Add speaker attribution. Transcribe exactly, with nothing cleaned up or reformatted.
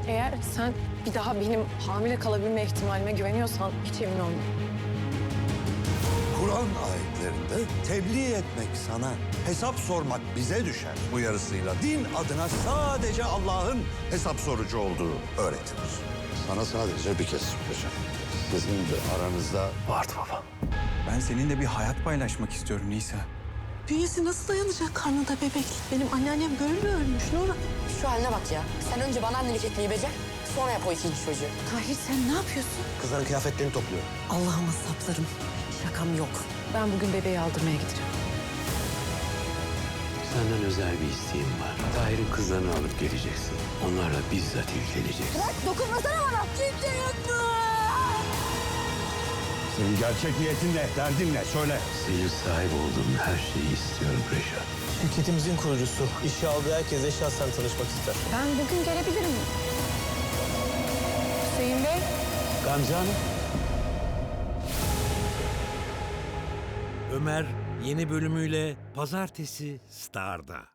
Speaker 1: Eğer sen bir daha benim hamile kalabilme ihtimalime güveniyorsan hiç emin olma.
Speaker 2: Kur'an ayetlerinde tebliğ etmek sana, hesap sormak bize düşer uyarısıyla din adına sadece Allah'ın hesap sorucu olduğu öğretilir. Sana sadece bir kez soracağım. Sizin de aranızda vardı baba.
Speaker 3: Ben seninle bir hayat paylaşmak istiyorum Nisa.
Speaker 4: Bünyesi nasıl dayanacak karnında bebek? Benim anneannem böyle ölmüş Nora.
Speaker 5: Şu haline bak ya. Sen önce bana annelik etmeyi becer, sonra yap o ikinci çocuğu.
Speaker 4: Tahir sen ne yapıyorsun?
Speaker 6: Kızların kıyafetlerini topluyor.
Speaker 4: Allah'ıma saplarım. Şakam yok. Ben bugün bebeği aldırmaya gideceğim.
Speaker 7: Senden özel bir isteğim var. Tahir'in kızlarını alıp geleceksin. Onlarla bizzat ilgileneceksin.
Speaker 5: Dokunmasana bana. Kimse yok mu?
Speaker 2: Senin gerçek niyetin ne? Derdin ne? Söyle.
Speaker 7: Senin sahip olduğun her şeyi istiyorum Reşat.
Speaker 6: Şirketimizin kurucusu. İşe aldığı herkese şahsen tanışmak ister.
Speaker 1: Ben bugün gelebilirim. Hüseyin Bey.
Speaker 6: Gamze Hanım.
Speaker 8: Ömer yeni bölümüyle Pazartesi Star'da.